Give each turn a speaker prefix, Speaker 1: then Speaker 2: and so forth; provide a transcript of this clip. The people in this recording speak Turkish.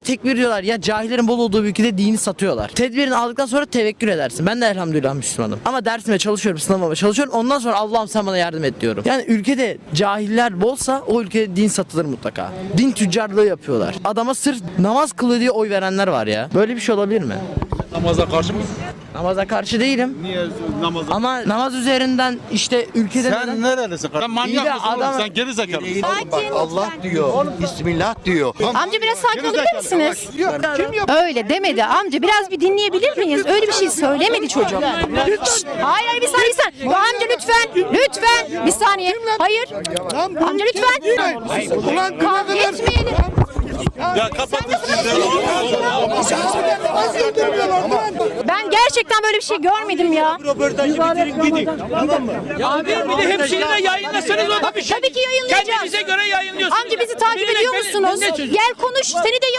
Speaker 1: tekbir diyorlar. Ya cahillerin bol olduğu bir ülkede dini satıyorlar. Tedbirini aldıktan sonra tevekkül edersin. Ben de elhamdülillah Müslümanım. Ama dersime çalışıyorum, sınavıma çalışıyorum. Ondan sonra Allah'ım sen bana yardım et diyorum. Yani ülkede cahiller bolsa o ülkede din satılır mutlaka. Din tüccarlığı yapıyorlar. Adama sırf namaz kılıyor diye oy verenler var ya. Böyle bir şey olabilir mi?
Speaker 2: Namaza karşı mısın?
Speaker 1: Namaza karşı değilim.
Speaker 2: Niye namaza?
Speaker 1: Ama namaz üzerinden işte ülkede
Speaker 2: Sen nerelisin? Sen
Speaker 1: İyi
Speaker 2: manyak
Speaker 1: de
Speaker 2: mısın oğlum?
Speaker 1: adam-
Speaker 2: Sen geri zekalı mısın?
Speaker 3: Allah diyor. Bismillah diyor.
Speaker 4: Amca biraz sakin olabilir misiniz?
Speaker 2: Kim yapıyor?
Speaker 4: Öyle demedi amca. Biraz bir dinleyebilir miyiz? Öyle bir şey söylemedi çocuk. Şşt! Hayır hayır bir saniye bir saniye. Amca lütfen. Lütfen. Bir saniye. Hayır. Amca lütfen.
Speaker 3: Ulan
Speaker 4: Kavga etmeyelim.
Speaker 2: Ya kapatın siz.
Speaker 4: Ben gerçekten böyle bir şey görmedim ya.
Speaker 5: Abi bir de hemşirine yayınlasanız o da bir şey.
Speaker 4: Tabii ki yayınlayacağız.
Speaker 5: Kendinize göre yayınlıyorsunuz.
Speaker 4: Amca bizi takip ediyor musunuz? Gel konuş. Seni de